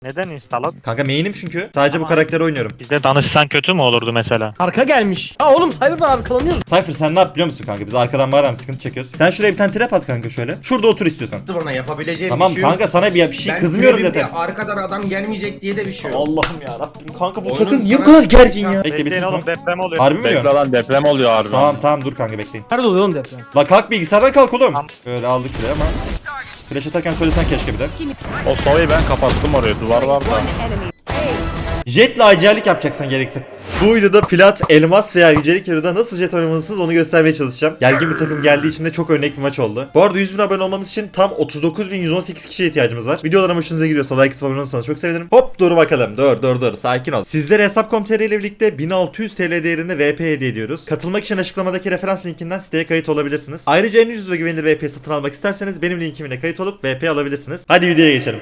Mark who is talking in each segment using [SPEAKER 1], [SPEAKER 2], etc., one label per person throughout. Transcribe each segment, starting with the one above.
[SPEAKER 1] Neden install?
[SPEAKER 2] Kanka main'im çünkü. Sadece bu karakteri oynuyorum.
[SPEAKER 1] Bize danışsan kötü mü olurdu mesela?
[SPEAKER 3] Arka gelmiş. Ha oğlum Cyber'dan arkalanıyoruz.
[SPEAKER 2] Cypher sen ne yap biliyor musun kanka? Biz arkadan madem sıkıntı çekiyoruz. Sen şuraya bir tane trap at kanka şöyle. Şurada otur istiyorsan.
[SPEAKER 4] Bana yapabileceğim
[SPEAKER 2] Tamam
[SPEAKER 4] bir şey yok.
[SPEAKER 2] kanka sana bir şey
[SPEAKER 4] Ben
[SPEAKER 2] kızmıyorum
[SPEAKER 4] tribimde
[SPEAKER 2] zaten.
[SPEAKER 4] arkadan adam gelmeyecek diye de bir şey yok.
[SPEAKER 2] Allah'ım ya Rabbim kanka bu
[SPEAKER 4] Oyunun
[SPEAKER 2] takım niye bu
[SPEAKER 4] sana-
[SPEAKER 2] kadar gergin ya? Bekle bir
[SPEAKER 1] Bekleyin
[SPEAKER 2] ses
[SPEAKER 1] oğlum, deprem oluyor.
[SPEAKER 2] Harbi mi
[SPEAKER 5] Bekle
[SPEAKER 2] diyorsun?
[SPEAKER 5] lan, deprem oluyor harbi.
[SPEAKER 2] Tamam dur kanka bekleyin.
[SPEAKER 3] Nerede oluyor oğlum deprem?
[SPEAKER 2] La kalk bilgisayardan kalk oğlum.
[SPEAKER 1] Tamam.
[SPEAKER 2] Böyle aldık şuraya ama. Flash atarken söylesen keşke bir de.
[SPEAKER 5] O soyayı ben kapattım oraya, duvar var da.
[SPEAKER 2] Jetle acellik yapacaksın gerekirse. Bu videoda plat, elmas veya yücelik yarıda nasıl jet oynamalısınız onu göstermeye çalışacağım. Gergin bir takım geldiği için de çok örnek bir maç oldu. Bu arada 100.000 abone olmamız için tam 39.118 kişiye ihtiyacımız var. Videolarım hoşunuza gidiyorsa like atıp abone olursanız çok sevinirim. Hop dur bakalım. Dur sakin ol. Sizlere Hesap.com.tr ile birlikte 1600 TL değerinde VP hediye ediyoruz. Katılmak için açıklamadaki referans linkinden siteye kayıt olabilirsiniz. Ayrıca en ucuz ve güvenilir VP satın almak isterseniz benim linkimle kayıt olup VP alabilirsiniz. Hadi videoya geçelim.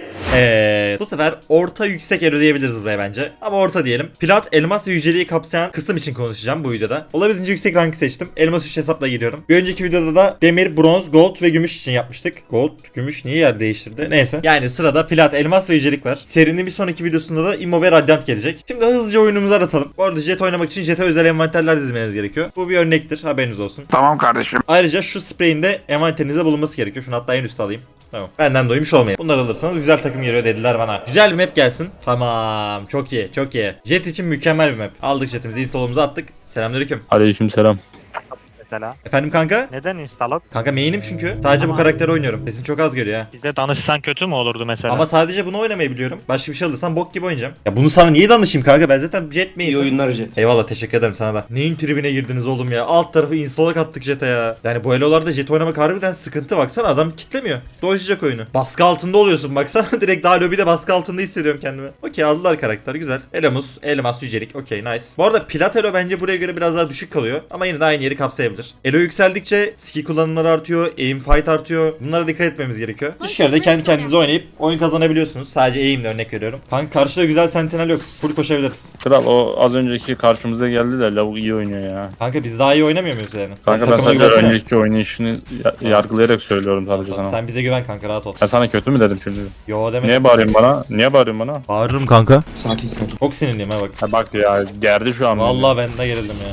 [SPEAKER 2] Bu sefer orta yüksek elo diyebiliriz buraya bence. Ama orta diyelim. Plat, elmas ve yüceliği kapsayan kısım için konuşacağım bu videoda. Olabildiğince yüksek rankı seçtim. Elmas 3 hesapla giriyorum. Bir önceki videoda da demir, bronz, gold ve gümüş için yapmıştık. Gold, gümüş niye yer değiştirdi? Neyse. Yani sırada plat, elmas ve yücelik var. Serinin bir sonraki videosunda da immo ve radyant gelecek. Şimdi hızlıca oyunumuzu aratalım. Bu arada jet oynamak için jete özel envanterler dizmeniz gerekiyor. Bu bir örnektir. Haberiniz olsun.
[SPEAKER 6] Tamam kardeşim.
[SPEAKER 2] Ayrıca şu spreyin de envanterinizde bulunması gerekiyor. Şunu hatta en üstte alayım. Tamam. Benden doymuş olmayın. Bunları alırsanız güzel takım geliyor dediler bana. Güzel bir map gelsin. Tamam. Çok iyi. Çok iyi. Jet için mükemmel bir map. Aldık jetimizi. İnsolumuza attık. Selamünaleyküm.
[SPEAKER 5] Aleykümselam.
[SPEAKER 1] Mesela.
[SPEAKER 2] Efendim kanka?
[SPEAKER 1] Neden install?
[SPEAKER 2] Kanka main'im çünkü. Sadece bu karakteri oynuyorum. Sesin çok az geliyor ha.
[SPEAKER 1] Bize danışsan kötü mü olurdu mesela?
[SPEAKER 2] Ama sadece bunu oynamayı biliyorum. Başka bir şey alırsam bok gibi oynayacağım. Ya bunu sana niye danışayım kanka? Ben zaten jet
[SPEAKER 4] İyi
[SPEAKER 2] main'im.
[SPEAKER 4] oyunlar Jet.
[SPEAKER 2] Eyvallah teşekkür ederim sana da. Neyin tribine girdiniz oğlum ya? Alt tarafı install'a kattık jet'e ya. Yani bu elolarda jet oynamak harbiden sıkıntı. Baksana adam kitlemiyor. Dolaşacak oyunu. Baskı altında oluyorsun baksana. Direkt daha lobide baskı altında hissediyorum kendimi. Okey aldılar karakter güzel. Elamos, elmas, yücelik. Okey nice. Bu arada plat elo bence buraya göre biraz daha düşük kalıyor. Ama yine de aynı yeri kapsayabilir. Elo yükseldikçe skill kullanımları artıyor. Aim fight artıyor. Bunlara dikkat etmemiz gerekiyor. Düşük elo'da kendi kendinize oynayıp oyun kazanabiliyorsunuz. Sadece aim'le örnek veriyorum. Kanka karşıda güzel sentinel yok. Full koşabiliriz.
[SPEAKER 5] Kral o az önceki karşımıza geldi de lavuk iyi oynuyor ya.
[SPEAKER 2] Kanka biz daha iyi oynamıyor muyuz yani?
[SPEAKER 5] Kanka ben
[SPEAKER 2] Takıma
[SPEAKER 5] sadece
[SPEAKER 2] güvensene.
[SPEAKER 5] önceki oynayışını yargılayarak söylüyorum sadece
[SPEAKER 2] Tamam,
[SPEAKER 5] sana.
[SPEAKER 2] sen bize güven kanka rahat ol.
[SPEAKER 5] Ben sana kötü mü dedim şimdi?
[SPEAKER 2] Yo demedim.
[SPEAKER 5] Niye bağırıyorsun bana? Niye bağırıyorsun bana?
[SPEAKER 2] Bağırırım kanka.
[SPEAKER 4] Sakin.
[SPEAKER 2] Çok sinirliyim ha bak.
[SPEAKER 5] Ha bak ya, gerdi şu an.
[SPEAKER 2] Vallahi ben de gerildim ya.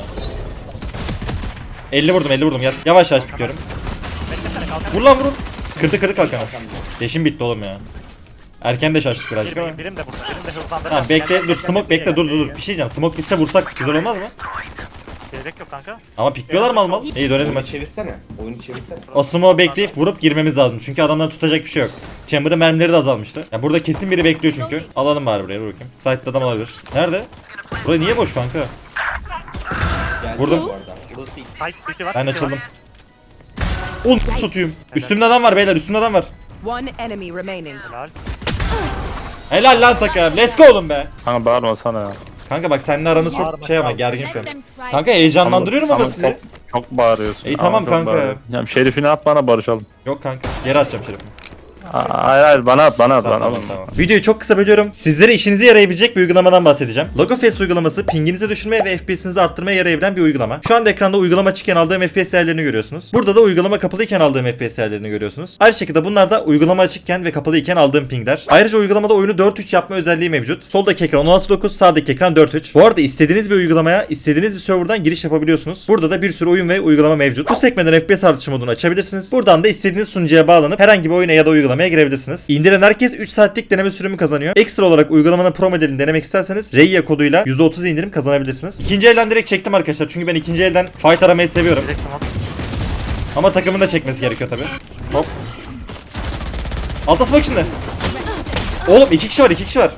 [SPEAKER 2] 50 vurdum gel. Yavaş yavaş bitiyorum. Vur lan vurun. Kırdı kalkanı. Yeşim bitti oğlum ya. Erken de şaştık birazcık ama.
[SPEAKER 1] Birim de burada. Birim de hızlandırma.
[SPEAKER 2] Tamam bekle dur smoke bekle dur. Bir şey diyeceğim. Smoke bitse vursak güzel olmaz mı?
[SPEAKER 1] Gerek yok kanka.
[SPEAKER 2] Ama pikliyorlar mal. İyi dönelim
[SPEAKER 4] Oyunu
[SPEAKER 2] maçı.
[SPEAKER 4] çevirsene. Oyunu çevirsene.
[SPEAKER 2] O smoke'u bekleyip vurup girmemiz lazım. Çünkü adamların tutacak bir şey yok. Chamber'ın mermileri de azalmıştı. Ya burada kesin biri bekliyor çünkü. Alalım bari buraya dur bakayım. Site'da adam olabilir. Nerede? Burası niye boş kanka?
[SPEAKER 4] Geldi
[SPEAKER 2] Vurdum.
[SPEAKER 4] bu arada. Burası iyi.
[SPEAKER 1] Fight city var.
[SPEAKER 2] Ben
[SPEAKER 1] city
[SPEAKER 2] açıldım.
[SPEAKER 1] var.
[SPEAKER 2] Un tutuyum. Üstümde adam var beyler üstümde adam var.
[SPEAKER 7] One enemy remaining.
[SPEAKER 1] Helal.
[SPEAKER 2] Helal lan takım. Let's go oğlum be.
[SPEAKER 5] Kanka bağırma sana ya.
[SPEAKER 2] Kanka bak seninle aramız çok
[SPEAKER 1] Bağırma,
[SPEAKER 2] şey ama
[SPEAKER 1] tamam.
[SPEAKER 2] gergin şu an. Kanka heyecanlandırıyorum ama sizi.
[SPEAKER 5] Çok bağırıyorsun.
[SPEAKER 2] İyi, tamam
[SPEAKER 5] çok
[SPEAKER 2] kanka.
[SPEAKER 5] bağırıyorsun. Ya Şerif'ini at bana, barışalım.
[SPEAKER 2] Yok kanka. Geri atacağım şerefimi.
[SPEAKER 5] Hayır bana at.
[SPEAKER 2] Tamam. Videoyu çok kısa bölüyorum. Sizlere işinize yarayabilecek bir uygulamadan bahsedeceğim. Logofest uygulaması pinginizi düşürmeye ve FPS'inizi arttırmaya yarayabilen bir uygulama. Şu anda ekranda uygulama açıkken aldığım FPS değerlerini görüyorsunuz. Burada da uygulama kapalıyken aldığım FPS değerlerini görüyorsunuz. Aynı şekilde bunlar da uygulama açıkken ve kapalıyken aldığım pingler. Ayrıca uygulamada oyunu 4:3 yapma özelliği mevcut. Soldaki ekran 16:9, sağdaki ekran 4:3. Bu arada istediğiniz bir uygulamaya, istediğiniz bir serverdan giriş yapabiliyorsunuz. Burada da bir sürü oyun ve uygulama mevcut. Bu sekmeden FPS artışı modunu açabilirsiniz. Buradan da istediğiniz sunucuya bağlanıp herhangi bir oyuna ya da uygulamaya girebilirsiniz. İndiren herkes 3 saatlik deneme sürümü kazanıyor. Ekstra olarak uygulamanın pro modelini denemek isterseniz Reya koduyla %30 indirim kazanabilirsiniz. İkinci elden direkt çektim arkadaşlar. Çünkü ben ikinci elden fight aramayı seviyorum.
[SPEAKER 1] Direkt smoke.
[SPEAKER 2] Ama takımın da çekmesi gerekiyor tabi. Hop. Alta smoke şimdi. Oğlum 2 kişi var.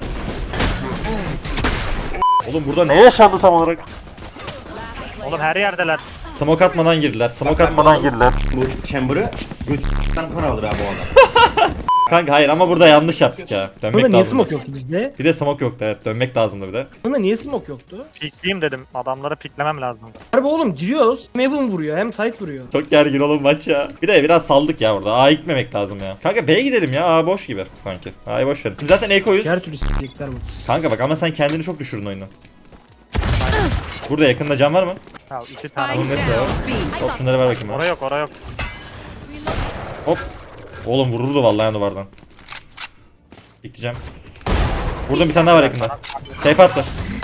[SPEAKER 2] Oğlum burada ne yaşandı tam olarak?
[SPEAKER 1] Oğlum her yerdeler.
[SPEAKER 2] Smoke atmadan girdiler.
[SPEAKER 4] Bu chamber'ı götürden kan alır abi o adam.
[SPEAKER 2] Kanka hayır ama burada yanlış yaptık ya. Dönmek
[SPEAKER 3] Burada niye
[SPEAKER 2] lazımdı.
[SPEAKER 3] smoke yoktu bizde?
[SPEAKER 2] Bir de smoke yoktu evet. Dönmek lazımdı bir de.
[SPEAKER 3] Burada niye smoke yoktu?
[SPEAKER 1] Pikleyeyim dedim. Adamları piklemem lazım.
[SPEAKER 3] Harbi oğlum giriyoruz. Hem Evan vuruyor hem site vuruyor.
[SPEAKER 2] Çok gergin oğlum maç ya. Bir de biraz saldık ya burada. A'ya gitmemek lazım ya. Kanka B'ye gidelim ya. A boş gibi sanki. A'yı boş verin. Zaten Eko'yuz.
[SPEAKER 3] Her türlü s**lecekler bu.
[SPEAKER 2] Kanka bak ama sen kendini çok düşürdün oyunu. Burada yakında can var mı?
[SPEAKER 1] Ya 2 tane.
[SPEAKER 2] Bunun nesi var? Hop şunları ver bakayım bana.
[SPEAKER 1] Oraya yok.
[SPEAKER 2] Hop. Oğlum vururdu vallahi duvardan. Bekleyeceğim. Vurdum, bir tane daha var yakında. Tape attı.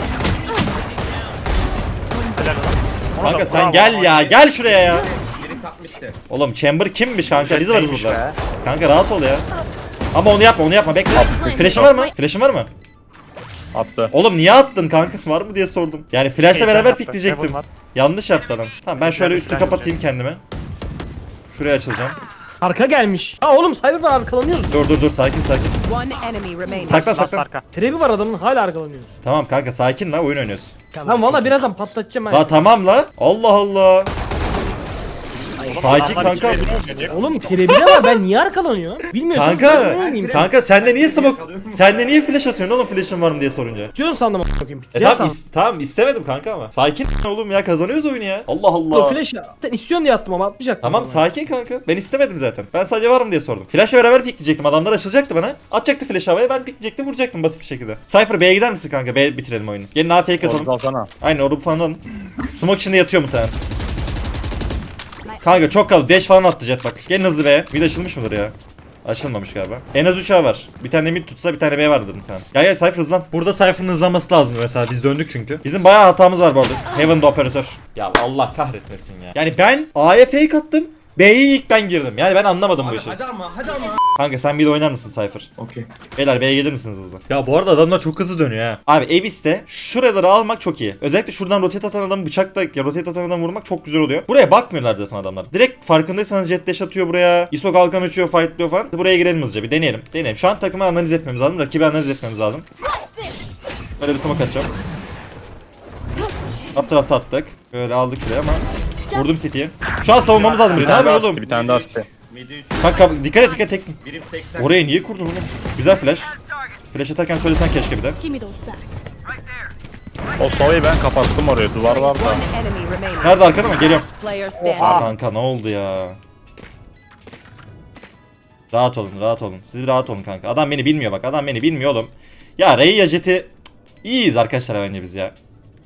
[SPEAKER 1] Helal olsun. Onu
[SPEAKER 2] Kanka
[SPEAKER 1] da
[SPEAKER 2] sen
[SPEAKER 1] bravo
[SPEAKER 2] gel
[SPEAKER 1] ama
[SPEAKER 2] ya, gel şuraya ya.
[SPEAKER 4] Biri takmıştı.
[SPEAKER 2] Oğlum Chamber kimmiş kanka? Biz varız
[SPEAKER 1] Neymiş
[SPEAKER 2] burada.
[SPEAKER 1] be?
[SPEAKER 2] Kanka rahat ol ya. Ama onu yapma bekle. Flash'ın var mı? Flash'ın var mı?
[SPEAKER 5] Attı.
[SPEAKER 2] Oğlum niye attın kanka? Var mı diye sordum. Yani flash'la
[SPEAKER 1] Heyecan
[SPEAKER 2] beraber
[SPEAKER 1] yaptı.
[SPEAKER 2] pikleyecektim.
[SPEAKER 1] Heaven var.
[SPEAKER 2] Yanlış yaptı adam. Tamam ben şöyle
[SPEAKER 1] Heaven
[SPEAKER 2] üstü
[SPEAKER 1] falan
[SPEAKER 2] kapatayım kendime. Şuraya açılacağım.
[SPEAKER 3] Arka gelmiş. Ha oğlum Cyber var, arkalanıyoruz.
[SPEAKER 2] Dur sakin.
[SPEAKER 7] One enemy remaining.
[SPEAKER 2] Saklan
[SPEAKER 1] Last
[SPEAKER 2] saklan.
[SPEAKER 1] arka.
[SPEAKER 3] Trebi var adamın, hala arkalanıyoruz.
[SPEAKER 2] Tamam kanka sakin la, oyun oynuyoruz.
[SPEAKER 3] Lan valla birazdan patlatacağım
[SPEAKER 2] La
[SPEAKER 3] ha.
[SPEAKER 2] tamam la. Allah Allah. Sakin
[SPEAKER 1] Adamlar
[SPEAKER 2] kanka.
[SPEAKER 1] ikili oynuyor.
[SPEAKER 3] Oğlum Trebi de var, ben niye arkalanıyorum? Bilmiyorsun.
[SPEAKER 2] Kanka. Kanka sen de niye smoke? Sen de niye flash atıyorsun oğlum, flash'ın var mı diye sorunca.
[SPEAKER 3] Diyorsun sandım a**ayım.
[SPEAKER 2] Tamam istemedim kanka ama. Sakin oğlum ya, kazanıyoruz oyunu ya. Allah
[SPEAKER 3] O
[SPEAKER 2] Allah.
[SPEAKER 3] flash sen istiyorsun diye attım ama atmayacaktım.
[SPEAKER 2] Tamam
[SPEAKER 3] ama.
[SPEAKER 2] sakin kanka. Ben istemedim zaten. Ben sadece var mı diye sordum. Flash'la beraber pikleyecektim. Adamlar açılacaktı bana. Atacaktı flash havaya, ben pikleyecektim, vuracaktım basit bir şekilde. Cypher B'ye gider misin kanka? B bitirelim oyunu. Gelin A fake
[SPEAKER 5] Orada
[SPEAKER 2] atalım.
[SPEAKER 5] alsana.
[SPEAKER 2] Aynen orada falan alın. Smoke içinde yatıyor muhtemelen. Kanka çok kaldı. Dash falan attı jet bak. Gelin hızlı B'ye. Mid açılmış mıdır ya? Açılmamış galiba. En az 3 A var. Bir tane mid tutsa bir tane B vardı muhtemelen. Gel Cypher hızlan. Burada Cypher'ın hızlanması lazım mesela. Biz döndük çünkü. Bizim bayağı hatamız var bu arada. Heaven'da operatör. Ya Allah kahretmesin ya. Yani ben A'ya fake attım. B'ye ilk ben girdim. Yani ben anlamadım bu
[SPEAKER 4] Abi
[SPEAKER 2] işi.
[SPEAKER 4] hadi ama.
[SPEAKER 2] Kanka sen bir de oynar mısın Cypher?
[SPEAKER 4] Okey.
[SPEAKER 2] Beyler B'ye gelir misiniz hızlı? Ya bu arada adamlar çok hızlı dönüyor ha. Abi Abyss'te şuraları almak çok iyi. Özellikle şuradan rotate atan adamı bıçakla ya rotate atan adamı vurmak çok güzel oluyor. Buraya bakmıyorlar zaten adamlar. Direkt farkındaysanız jet dash atıyor buraya. ISO kalkan uçuyor, fightlıyor falan. Buraya girelim hızlıca bir deneyelim. Deneyelim. Şu an takımı analiz etmemiz lazım. Rakibi analiz etmemiz lazım. Böyle bir smoke atacağım. Alt tarafta attık. Böyle aldık şuraya ama vurdum City'yi. Şu an savunmamız lazım. Ne yapıyor oğlum?
[SPEAKER 5] Bir tane daha attı.
[SPEAKER 4] Midi 3.
[SPEAKER 2] Kanka dikkat et teksin.
[SPEAKER 4] Birim 80.
[SPEAKER 2] Oraya niye kurdun oğlum? Güzel flash. Flash atarken söylesen keşke bir de.
[SPEAKER 7] Give me those back.
[SPEAKER 5] O soğuyu ben kapattım oraya. Duvar var da.
[SPEAKER 7] One enemy remaining.
[SPEAKER 2] Nerede arkada mı? Geliyorum.
[SPEAKER 7] Player standing.
[SPEAKER 2] Kanka ne oldu ya? Rahat olun. Siz bir rahat olun kanka. Adam beni bilmiyor bak. Adam beni bilmiyor oğlum. Ya Ray ya Jet'i iyiyiz arkadaşlar bence biz ya.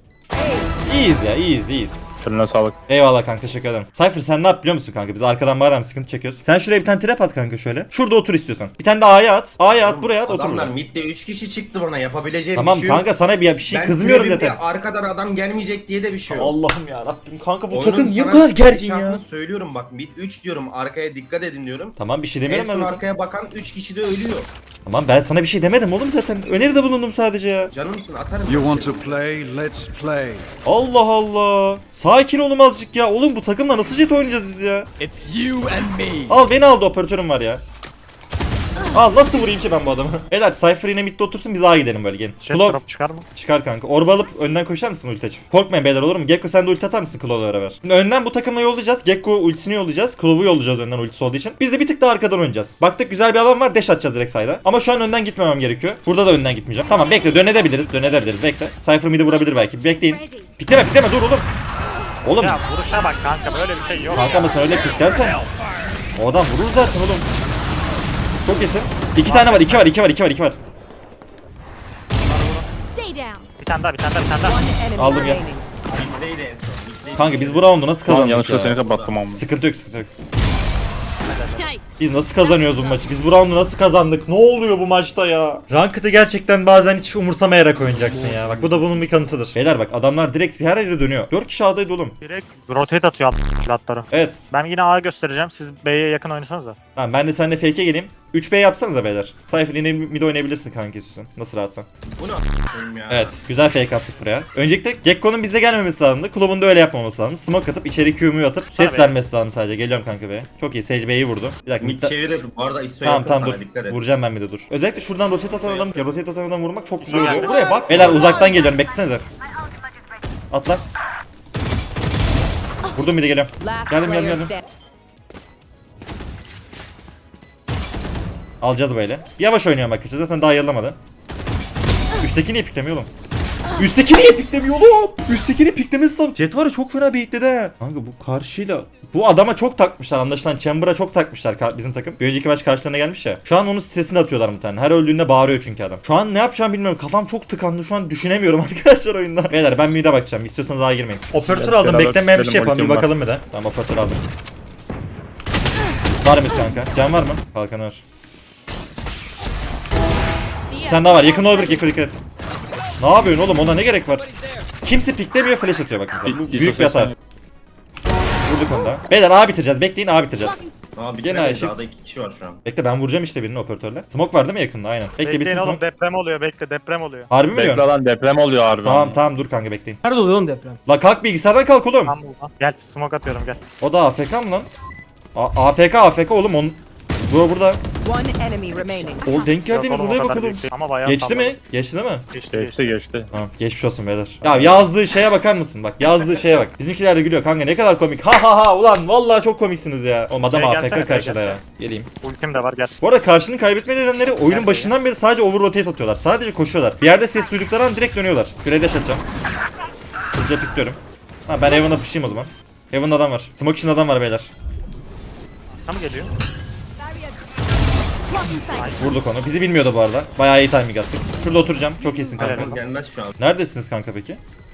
[SPEAKER 2] İyiyiz.
[SPEAKER 5] Eline sağlık.
[SPEAKER 2] Eyvallah kanka, teşekkür ederim. Cypher sen ne yap biliyor musun kanka? Biz arkadan madem sıkıntı çekiyoruz. Sen şuraya bir tane trap at kanka şöyle. Şurada otur istiyorsan. Bir tane de A'ya at. A'ya at, buraya at, otur
[SPEAKER 4] Adamlar
[SPEAKER 2] burada.
[SPEAKER 4] midde 3 kişi çıktı bana, yapabileceğim
[SPEAKER 2] Tamam
[SPEAKER 4] bir şey yok.
[SPEAKER 2] kanka, sana bir şey
[SPEAKER 4] Ben
[SPEAKER 2] kızmıyorum
[SPEAKER 4] tribimde
[SPEAKER 2] zaten.
[SPEAKER 4] arkadan adam gelmeyecek diye de bir şey yok.
[SPEAKER 2] Allah'ım ya Rabbim kanka, bu
[SPEAKER 4] Oyunun
[SPEAKER 2] takım niye bu
[SPEAKER 4] sana
[SPEAKER 2] kadar gergin ya?
[SPEAKER 4] gidişatını söylüyorum bak, mid 3 diyorum, arkaya dikkat edin diyorum.
[SPEAKER 2] Tamam bir şey
[SPEAKER 4] En
[SPEAKER 2] demedim
[SPEAKER 4] son
[SPEAKER 2] ben zaten.
[SPEAKER 4] arkaya bakan 3 kişi de ölüyor.
[SPEAKER 2] Tamam ben sana bir şey demedim oğlum zaten. Öneride bulundum sadece ya.
[SPEAKER 4] Canımsın, atarım.
[SPEAKER 6] You want to play? Let's play.
[SPEAKER 2] Allah Allah. Sakin olun azıcık ya. Oğlum bu takımla nasıl jet oynayacağız biz ya?
[SPEAKER 6] It's you and me.
[SPEAKER 2] Al beni aldı, operatörüm var ya. Al nasıl vurayım ki ben bu adamı? Beyler Cypher yine midde otursun, biz A'ya gidelim böyle gelin.
[SPEAKER 1] Jet
[SPEAKER 2] Klov
[SPEAKER 1] drop çıkar mı?
[SPEAKER 2] çıkar kanka. Orba alıp önden koşar mısın ulti açıp? Korkmayın beyler, olur mu? Gekko sen de ulti atar mısın Klov'la beraber? Şimdi önden bu takımla yollayacağız. Gekko ultisini yollayacağız. Klov'u yollayacağız önden ultisi olduğu için. Biz de bir tık daha arkadan oynayacağız. Baktık güzel bir alan var, dash atacağız direkt side'a. Ama şu an önden gitmemem gerekiyor. Burada da önden gitmeyeceğim. Tamam bekle, dönebiliriz bekle. Cypher mid'i vurabilir belki. Bekleyin. Pikleme dur oğlum. Oğlum
[SPEAKER 1] Ya vuruşa bak kanka, böyle bir şey yok.
[SPEAKER 2] kanka mı sen öyle piklersen o adam vurur zaten oğlum. Çok iyisin. 2 tane var, 2 var.
[SPEAKER 7] Stay down.
[SPEAKER 1] Bir tane daha.
[SPEAKER 7] One enemy
[SPEAKER 2] Aldım ya.
[SPEAKER 7] remaining.
[SPEAKER 4] Middeydi en son. Middeydi.
[SPEAKER 2] Kanka biz bu roundu nasıl
[SPEAKER 5] Tamam
[SPEAKER 2] kazandık
[SPEAKER 5] yanlışlıkla
[SPEAKER 2] ya?
[SPEAKER 5] seni kapattım ama.
[SPEAKER 2] Sıkıntı yok. Biz nasıl kazanıyoruz bu maçı? Biz bu roundu nasıl kazandık? Ne oluyor bu maçta ya? Ranked'ı gerçekten bazen hiç umursamayarak oynayacaksın ya. Bak bu da bunun bir kanıtıdır. Beyler bak adamlar direkt her yere dönüyor. 4 kişi A'daydı oğlum.
[SPEAKER 1] Direkt rotate atıyor platları.
[SPEAKER 2] Evet.
[SPEAKER 1] Ben yine A göstereceğim. Siz B'ye yakın oynasanız da.
[SPEAKER 2] Tamam ben de seninle fake'e geleyim. 3B yapsanıza beyler. Cypher yine mid oynayabilirsin kanka istiyorsan. Nasıl rahatsan.
[SPEAKER 4] Bu ne a**ayım ya?
[SPEAKER 2] Evet, güzel fake attık buraya. Öncelikle Gekko'nun bize gelmemesi lazımdı. Klov'un da öyle yapmaması lazım. Smoke atıp içeri Q'mu atıp ses
[SPEAKER 1] Tabii.
[SPEAKER 2] vermesi lazım sadece. Geliyorum kanka be. Çok iyi. Sage B'yi vurdu. Bir dakika.
[SPEAKER 4] Mid çevirir. Bu arada ISO
[SPEAKER 2] Tamam
[SPEAKER 4] yakın
[SPEAKER 2] dur.
[SPEAKER 4] sana, dikkat et.
[SPEAKER 2] Vuracağım ben bir de dur. Özellikle şuradan rotate atan adam vurmak çok güzel oluyor. Buraya bak. Beyler uzaktan geliyorum. Beklesenize. Atla. Vurdum bir de geliyorum.
[SPEAKER 7] Last
[SPEAKER 2] Geldim.
[SPEAKER 7] player standing.
[SPEAKER 2] Alacağız böyle. Yavaş oynuyorum bak. Zaten daha yarılamadı. Üstteki niye piklemiyor oğlum? Üstteki niye piklemiyor oğlum? Üsttekini piklemesi lazım. Jet var ya çok fena beyitledi ha. Kanka bu karşıyla bu adama çok takmışlar, anlaşılan Chamber'a çok takmışlar bizim takım. Bir önceki maç karşılarına gelmiş ya. Şu an onun sitesini atıyorlar bir tane. Her öldüğünde bağırıyor çünkü adam. Şu an ne yapacağımı bilmiyorum. Kafam çok tıkandı. Şu an düşünemiyorum arkadaşlar oyunda. Beyler ben mid'e bakacağım. İstiyorsanız daha girmeyin. Operatör aldım.
[SPEAKER 5] Beraber
[SPEAKER 2] Beklemeyen bir şey
[SPEAKER 5] gidelim,
[SPEAKER 2] yapalım. Bir
[SPEAKER 5] ultim var.
[SPEAKER 2] bakalım bir de. Tamam operatör aldım. Var mı kanka? Can var mı? Kalkan var. Bir tane daha var. Yakın olabilir. Gekko dikkat et. Ne yapıyorsun oğlum? Ona ne gerek var? Kimse piklemiyor, flash atıyor bak mesela. Bu büyük bir hata. Vurduk onu da. Beyler A bitireceğiz. Bekleyin, A bitireceğiz.
[SPEAKER 4] Abi
[SPEAKER 2] Gene
[SPEAKER 4] gene
[SPEAKER 2] shift.
[SPEAKER 4] Dağda 2 kişi var şu an.
[SPEAKER 2] Bekle, ben vuracağım işte birini operatörle. Smoke var değil mi yakında? Aynen. Bekle
[SPEAKER 1] Bekleyin
[SPEAKER 2] bitsin
[SPEAKER 1] oğlum,
[SPEAKER 2] smoke.
[SPEAKER 1] deprem oluyor, bekle, deprem oluyor.
[SPEAKER 2] Harbi mi
[SPEAKER 5] Bekle
[SPEAKER 2] diyorsun?
[SPEAKER 5] lan, deprem oluyor harbi.
[SPEAKER 2] Tamam dur kanka, bekleyin.
[SPEAKER 3] Nerede oluyor oğlum deprem?
[SPEAKER 2] La kalk, bilgisayardan kalk oğlum.
[SPEAKER 1] Tam burada. Gel, smoke atıyorum, gel.
[SPEAKER 2] O da AFK mı lan? AFK oğlum onun. Burada.
[SPEAKER 7] One enemy remaining.
[SPEAKER 2] O denk geldiğimiz
[SPEAKER 1] Yok oğlum, o
[SPEAKER 2] olaya
[SPEAKER 1] kadar
[SPEAKER 2] bak oğlum.
[SPEAKER 1] büyük değil. Ama bayağı
[SPEAKER 2] Geçti
[SPEAKER 1] salladı.
[SPEAKER 2] mi? Geçti değil mi?
[SPEAKER 5] Geçti.
[SPEAKER 2] Tamam, geçmiş olsun beyler. Ya yazdığı şeye bakar mısın? Bak yazdığı şeye bak. Bizimkiler de gülüyor kanka, ne kadar komik. Ha ulan vallahi çok komiksiniz ya. Oğlum adam
[SPEAKER 1] Şey,
[SPEAKER 2] AFK
[SPEAKER 1] gelsene,
[SPEAKER 2] karşıda
[SPEAKER 1] gel.
[SPEAKER 2] ya. Geleyim.
[SPEAKER 1] Ultim de var, gel.
[SPEAKER 2] Bu arada karşının kaybetme nedenleri oyunun başından beri sadece over rotate atıyorlar. Sadece koşuyorlar. Bir yerde ses duydukları an direkt dönüyorlar. Şuraya dash atacağım. Hızlıca tıklıyorum. Ha ben Heaven'a pushayım o zaman. Heaven'da adam var. Smoke için adam var beyler.
[SPEAKER 1] Tam geliyor.
[SPEAKER 2] Vurduk onu. Bizi bilmiyordu bu arada. Bayağı iyi timing attık. Şurada oturacağım. Çok iyisin kanka.
[SPEAKER 1] Helal.
[SPEAKER 4] Gelmez şu an.
[SPEAKER 2] Neredesiniz kanka peki?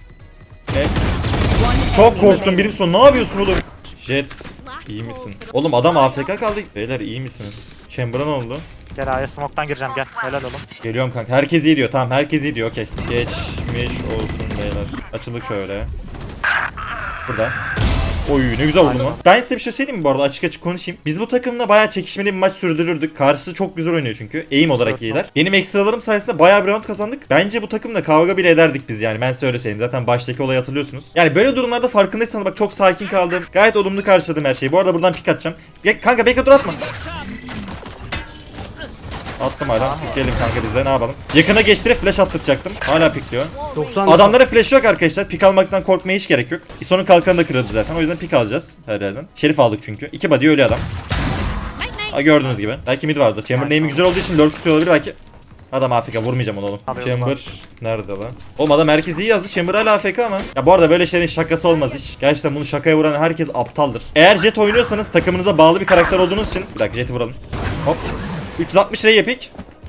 [SPEAKER 7] One
[SPEAKER 2] Çok
[SPEAKER 7] enemy
[SPEAKER 2] korktum
[SPEAKER 7] remaining.
[SPEAKER 2] birim son. Ne yapıyorsun oğlum? Jet iyi misin? Oğlum adam AFK kaldı. Beyler iyi misiniz? Chamber'a ne oldu?
[SPEAKER 1] Gel A'ya smoke'tan gireceğim, gel. Helal oğlum.
[SPEAKER 2] Geliyorum kanka. Herkes iyi diyor. Tamam herkes iyi diyor. Okey. Geçmiş olsun beyler. Açıldık şöyle. Burada. Oy ne güzel oldu mu? Ben size bir şey söyleyeyim mi bu arada, açık konuşayım. Biz bu takımla bayağı çekişmeli bir maç sürdürürdük. Karşısı çok güzel oynuyor çünkü. Aim olarak
[SPEAKER 1] Evet,
[SPEAKER 2] iyiler. Benim ekstralarım sayesinde bayağı bir round kazandık. Bence bu takımla kavga bile ederdik biz yani. Ben size öyle söyleyeyim. Zaten baştaki olayı hatırlıyorsunuz. Yani böyle durumlarda farkındaysanız bak çok sakin kaldım. Gayet olumlu karşıladım her şeyi. Bu arada buradan pik atacağım. Kanka bekle dur atma. Attım hala. Gelin kanka bizde ne yapalım. Yakına geçtirip flash attıracaktım. Hala pikliyor.
[SPEAKER 3] 90
[SPEAKER 2] Adamlara flash yok arkadaşlar. Pik almaktan korkmaya hiç gerek yok. İso'nun kalkanı da kırıldı zaten. O yüzden pik alacağız her yerden. Şerif aldık çünkü. 2 body ölü adam. Ha, gördüğünüz gibi. Belki mid vardır. Chamber name'i güzel olduğu için lurk tutuyor olabilir belki. Adam AFK, vurmayacağım onu oğlum.
[SPEAKER 1] Alıyorum
[SPEAKER 2] Chamber nerede lan? Oğlum adam herkes iyi yazdı. Chamber hala AFK ama. Ya bu arada böyle şeylerin şakası olmaz hiç. Gerçekten bunu şakaya vuran herkes aptaldır. Eğer Jet oynuyorsanız takımınıza bağlı bir karakter olduğunuz için. Bir dakika Jet'i vuralım. Hop. 360 R'ye pick.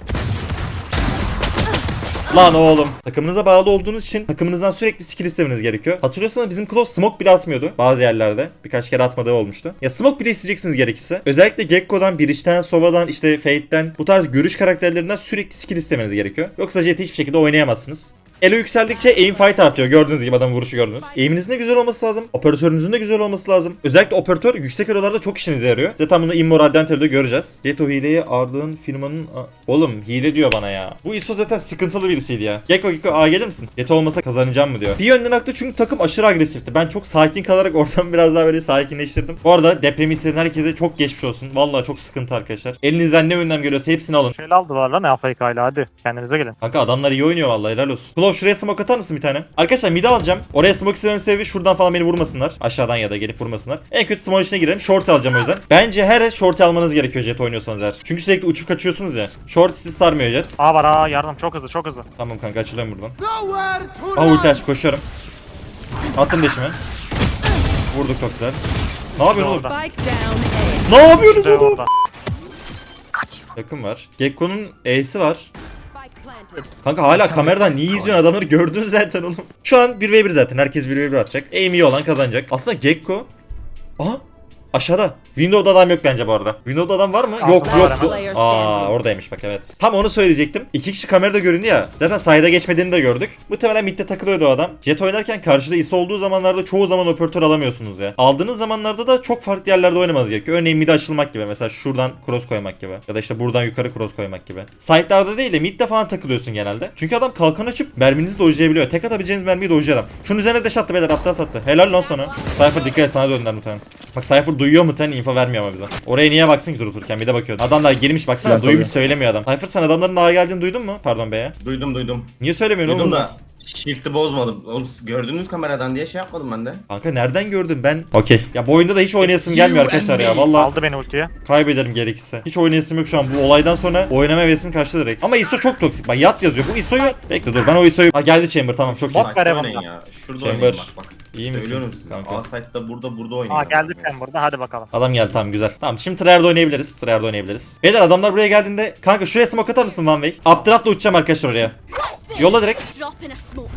[SPEAKER 2] Lan oğlum. Takımınıza bağlı olduğunuz için takımınızdan sürekli skill istemeniz gerekiyor. Hatırlıyorsanız bizim Claw smoke bile atmıyordu bazı yerlerde. Birkaç kere atmadığı olmuştu. Ya smoke bile isteyeceksiniz gerekirse. Özellikle Gekko'dan, Breach'ten, Sova'dan, işte Fade'den bu tarz görüş karakterlerinden sürekli skill istemeniz gerekiyor. Yoksa Jet'i hiçbir şekilde oynayamazsınız. Elo yükseldikçe aim fight artıyor. Gördüğünüz gibi adamın vuruşu gördünüz. Aim'inizin de güzel olması lazım. Operatörünüzün de güzel olması lazım. Özellikle operatör yüksek elolarda çok işinize yarıyor. Zaten bunu Immo Radyantel'de göreceğiz. Jet o hileyi ardığın firmanın... Oğlum hile diyor bana ya. Bu ISO zaten sıkıntılı birisiydi ya. Gekko A gelir misin? Jet olmasa kazanacağım mı diyor. Bir yönden haklı çünkü takım aşırı agresifti. Ben çok sakin kalarak ortamı biraz daha böyle sakinleştirdim. Bu arada depremi hisseden herkese çok geçmiş olsun. Vallahi çok sıkıntı arkadaşlar. Elinizden ne önlem geliyorsa hepsini alın.
[SPEAKER 1] Şöyle aldılar lan AFK ile, hadi. Kendinize gelin.
[SPEAKER 2] Kanka adamlar iyi oynuyor vallahi, helal olsun. Claw şuraya smoke atar mısın bir tane? Arkadaşlar mid'i alacağım. Oraya smoke istemem sebebi şuradan falan beni vurmasınlar. Aşağıdan ya da gelip vurmasınlar. En kötü smoke içine girelim. Short alacağım o yüzden. Bence her short almanız gerekiyor Jet oynuyorsanız eğer. Çünkü sürekli uçup kaçıyorsunuz ya. Short sizi sarmıyor Jet.
[SPEAKER 1] A var, A yardım, çok hızlı, çok hızlı.
[SPEAKER 2] Tamam kanka açılıyorum buradan. Ulti aç, koşuyorum. Attım deşime. Vurduk çok güzel. Ne yapıyorsun oğlum?
[SPEAKER 1] Orada.
[SPEAKER 7] Spike down A.
[SPEAKER 2] Ne yapıyorsunuz
[SPEAKER 1] İşte
[SPEAKER 2] oğlum?
[SPEAKER 1] orada.
[SPEAKER 2] Yakın var. Gekko'nun E'si var.
[SPEAKER 7] Spike planted.
[SPEAKER 2] Kanka hala kameradan niye izliyorsun, adamları gördün zaten oğlum. Şu an 1v1 zaten, herkes 1v1 atacak. Aim iyi olan kazanacak. Aslında Gekko... Aha aşağıda. Window'da adam yok bence bu arada. Window'da adam var mı? Yok
[SPEAKER 1] Var
[SPEAKER 2] yok.
[SPEAKER 1] hemen.
[SPEAKER 2] Aa oradaymış bak, evet. Tam onu söyleyecektim. 2 kişi kamerada göründü ya. Zaten sayıda geçmediğini de gördük. Muhtemelen midde takılıyordu o adam. Jet oynarken karşıda ISO olduğu zamanlarda çoğu zaman operatör alamıyorsunuz ya. Aldığınız zamanlarda da çok farklı yerlerde oynamanız gerekiyor. Örneğin mid'e açılmak gibi. Mesela şuradan cross koymak gibi. Ya da işte buradan yukarı cross koymak gibi. Side'larda değil de mid'de falan takılıyorsun genelde. Çünkü adam kalkan açıp merminizi dojlayabiliyor. Tek atabileceğiniz mermiyi dojluyor adam. Şunun üzerine dash attı beyler, aptal attı. Helal lan sana. Cypher dikkat et, sana döndüler muhtemelen. Bak Cypher duyuyor muhtemelen, info vermiyor ama bize. Oraya niye baksın ki durup dururken, bir de bakıyordu. Adamlar girmiş baksana,
[SPEAKER 5] Ya,
[SPEAKER 2] duymuş
[SPEAKER 5] tabii.
[SPEAKER 2] söylemiyor adam. Cypher sen adamların daha geldiğini duydun mu? Pardon be ya.
[SPEAKER 4] Duydum.
[SPEAKER 2] Niye söylemiyorsun
[SPEAKER 4] Duydum
[SPEAKER 2] oğlum?
[SPEAKER 4] da shift'i bozmadım. Oğlum gördünüz kameradan diye şey yapmadım ben de.
[SPEAKER 2] Kanka nereden gördün ben? Okey. Ya bu oyunda da hiç oynayasım gelmiyor arkadaşlar ya. Vallahi
[SPEAKER 1] Aldı beni ultiye.
[SPEAKER 2] kaybederim gerekirse. Hiç oynayasım yok şu an. Bu olaydan sonra oynama hevesim kaçtı direkt. Ama ISO çok toksik. Bak yat yazıyor. Bu ISO'yu... Bekle dur, ben o ISO'yu... Ha geldi Chamber, tamam çok iyi.
[SPEAKER 1] Bot
[SPEAKER 4] Bak
[SPEAKER 1] ver
[SPEAKER 4] oynayın
[SPEAKER 1] Evan'dan.
[SPEAKER 4] ya. Şurada
[SPEAKER 2] Chamber.
[SPEAKER 4] oynayın bak.
[SPEAKER 2] İyi misin?
[SPEAKER 4] Söylüyorum size.
[SPEAKER 2] Kanka.
[SPEAKER 4] A site'da burada oynayın.
[SPEAKER 1] Aa geldik ben burada, hadi bakalım.
[SPEAKER 2] Adam geldi, tamam güzel. Tamam şimdi tryhard oynayabiliriz. Tryhard oynayabiliriz. Beyler adamlar buraya geldiğinde... Kanka şuraya smoke atar mısın One Way? Updraft'la uçacağım arkadaşlar oraya. Yolla direkt.
[SPEAKER 7] Drop in a smoke.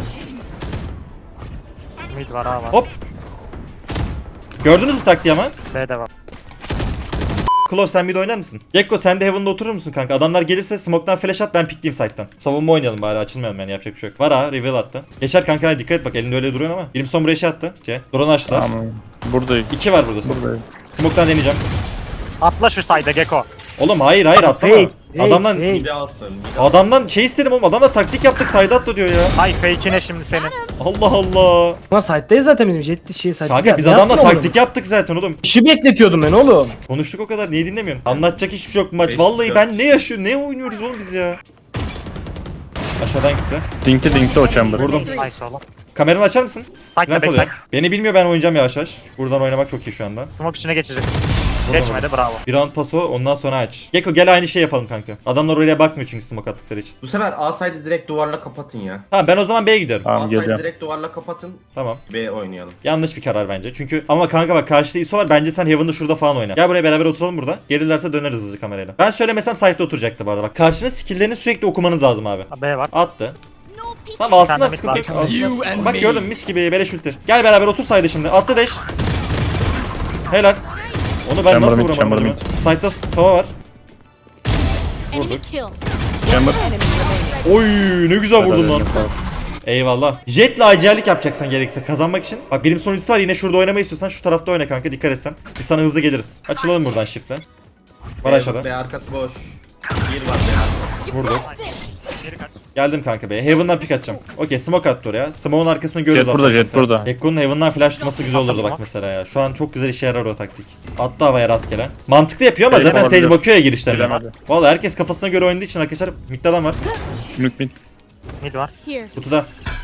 [SPEAKER 1] Mid var, A var.
[SPEAKER 2] Hop. Gördünüz mü taktiği ama?
[SPEAKER 1] B de var.
[SPEAKER 2] Klov sen bir de oynar mısın? Gekko sen de Heaven'da oturur musun kanka? Adamlar gelirse smoke'tan flash at, ben pikleyeyim site'tan. Savunma oynayalım bari, açılmayalım yani, yapacak bir şey yok. Var ha, reveal attı. Geçer kanka, hadi dikkat et bak, elinde öyle duruyor ama. Elimson buraya şey attı. Drone açtılar.
[SPEAKER 5] Tamam. Buradayım.
[SPEAKER 2] 2 var burada.
[SPEAKER 5] Buradayım.
[SPEAKER 2] Smoke'tan deneyeceğim.
[SPEAKER 1] Atla şu sayda Gecko.
[SPEAKER 2] Oğlum hayır atlama.
[SPEAKER 3] Fake,
[SPEAKER 2] Adamdan
[SPEAKER 3] fake.
[SPEAKER 4] Bir de alsın.
[SPEAKER 2] adamdan şey istedim oğlum. Adamla taktik yaptık, sayda atla diyor ya.
[SPEAKER 1] Ay fake'ine şimdi senin.
[SPEAKER 2] Allah Allah.
[SPEAKER 3] Ulan site'dayız zaten bizim jet şey site.
[SPEAKER 2] Kanka biz adamla taktik yaptık zaten oğlum.
[SPEAKER 3] İşi bekletiyordum ben oğlum.
[SPEAKER 2] Konuştuk o kadar, niye dinlemiyorsun? Anlatacak hiçbir şey yok bu maç.
[SPEAKER 4] Beş
[SPEAKER 2] Vallahi
[SPEAKER 4] dakika.
[SPEAKER 2] ben ne yaşıyor, ne oynuyoruz oğlum biz ya. Aşağıdan gitti.
[SPEAKER 5] Dinkli o chamber.
[SPEAKER 2] Vurdum.
[SPEAKER 1] Nice oğlum.
[SPEAKER 2] Kameranı açar mısın?
[SPEAKER 1] Sayda
[SPEAKER 2] Plant
[SPEAKER 1] backside.
[SPEAKER 2] oluyor. Beni bilmiyor, ben oynayacağım yavaş yavaş. Buradan oynamak çok iyi şu anda.
[SPEAKER 1] Smoke içine geçecek.
[SPEAKER 2] Vurdum
[SPEAKER 1] Geçmedi bravo.
[SPEAKER 2] Bir round paso, ondan sonra aç. Gekko gel aynı şey yapalım kanka. Adamlar oraya bakmıyor çünkü smoke attıkları için.
[SPEAKER 4] Bu sefer A side'ı direkt duvarla kapatın ya.
[SPEAKER 2] Tamam ben o zaman B'ye gidiyorum.
[SPEAKER 5] Tamam
[SPEAKER 4] A side'ı
[SPEAKER 5] geleceğim.
[SPEAKER 4] direkt duvarla kapatın.
[SPEAKER 2] Tamam.
[SPEAKER 4] B oynayalım.
[SPEAKER 2] Yanlış bir karar bence. Çünkü ama kanka bak, karşıda ISO var. Bence sen Heaven'da şurada falan oyna. Gel buraya beraber oturalım burada. Gelirlerse döneriz hızlıca kamerayla. Ben söylemesem site'de oturacaktı bu arada. Bak karşının skill'lerini sürekli okumanız lazım abi.
[SPEAKER 1] B var.
[SPEAKER 2] Attı. Tamam alsınlar,
[SPEAKER 1] Sen de
[SPEAKER 2] sıkıntı
[SPEAKER 1] mid
[SPEAKER 2] yok.
[SPEAKER 1] var.
[SPEAKER 2] Alsınlar.
[SPEAKER 6] You and
[SPEAKER 2] Bak
[SPEAKER 6] me.
[SPEAKER 2] gördün mü, mis gibi beleş ulti. Gel beraber otur saydı şimdi. Attı dash. Helal. Onu ben
[SPEAKER 5] Chamber
[SPEAKER 2] nasıl
[SPEAKER 5] mid,
[SPEAKER 2] vuramadım
[SPEAKER 5] chamber
[SPEAKER 2] acaba?
[SPEAKER 5] mid.
[SPEAKER 2] Side'da sova var.
[SPEAKER 7] Enemy kill.
[SPEAKER 5] Chamber.
[SPEAKER 7] Enemy remaining.
[SPEAKER 2] Oy ne güzel vurdun lan.
[SPEAKER 5] Helal.
[SPEAKER 2] Eyvallah. Jetle acellik yapacaksan gerekirse kazanmak için. Bak benim sonucusu var, yine şurada oynamayı istiyorsan şu tarafta oyna kanka, dikkat etsen. Biz sana hızlı geliriz. Açılalım buradan shift'le. Var aşağıda.
[SPEAKER 4] B arkası boş. Bir var B arkası.
[SPEAKER 2] Vurduk.
[SPEAKER 1] Geri kaç.
[SPEAKER 2] Geldim kanka be. Heaven'dan pick atacağım. Okey, smoke attı oraya. Smoke'un arkasını görüyoruz.
[SPEAKER 5] Jet burada,
[SPEAKER 2] aslında.
[SPEAKER 5] jet burada.
[SPEAKER 2] Ekko'nun Heaven'dan flash tutması güzel olurdu bak
[SPEAKER 1] smoke.
[SPEAKER 2] mesela ya. Şu an çok güzel işe yarar o taktik. Attı havaya rastgele. Mantıklı yapıyor ama
[SPEAKER 5] Bilemem,
[SPEAKER 2] zaten Sage
[SPEAKER 5] olabilir.
[SPEAKER 2] bakıyor ya girişlerine.
[SPEAKER 5] Bilemedi.
[SPEAKER 2] Valla herkes kafasına göre oynadığı için arkadaşlar, midde adam var.
[SPEAKER 5] Mid mid.
[SPEAKER 1] Mid var.
[SPEAKER 7] Here.
[SPEAKER 2] Kutuda.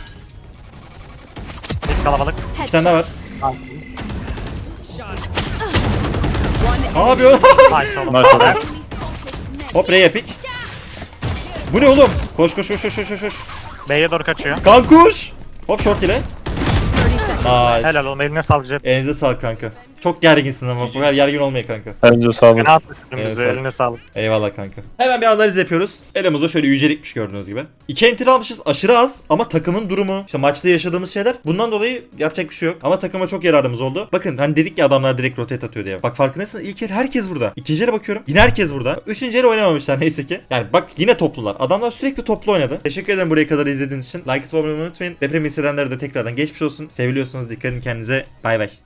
[SPEAKER 1] Mid kalabalık.
[SPEAKER 2] İki tane daha var.
[SPEAKER 7] One
[SPEAKER 2] Ne yapıyor?
[SPEAKER 1] Nice oğlum.
[SPEAKER 5] Nice oğlum.
[SPEAKER 2] Hop R'ye pick. Bu ne oğlum? Koş koş koş koş koş koş.
[SPEAKER 1] B'ye doğru kaçıyor.
[SPEAKER 2] Kankuş. Hop short ile.
[SPEAKER 7] 30 seconds.
[SPEAKER 2] Nice.
[SPEAKER 1] Helal oğlum, eline sağlık Jet.
[SPEAKER 2] Elinize sağlık kanka. Çok gerginsin ama bu kadar gergin olmayın kanka.
[SPEAKER 5] Bence sağ olun.
[SPEAKER 1] Fena atmışsın
[SPEAKER 2] Evet,
[SPEAKER 1] bizi,
[SPEAKER 2] sağ ol.
[SPEAKER 1] eline sağlık.
[SPEAKER 2] Eyvallah kanka. Hemen bir analiz yapıyoruz. Elimizde şöyle yücelikmiş gördüğünüz gibi. 2 enter almışız, aşırı az ama takımın durumu, işte maçta yaşadığımız şeyler, bundan dolayı yapacak bir şey yok. Ama takıma çok yararımız oldu. Bakın hani dedik ya adamlar direkt rotate atıyor diye. Bak farkındaysanız ilk el herkes burada. İkinci ele bakıyorum yine herkes burada. Üçüncü ele oynamamışlar neyse ki. Yani bak yine toplular. Adamlar sürekli toplu oynadı. Teşekkür ederim buraya kadar izlediğiniz için. Like atıp abone olmayı unutmayın. Depremi hissedenlere de tekrardan geçmiş olsun. Seviliyorsunuz. Dikkat edin kendinize. Bay bay.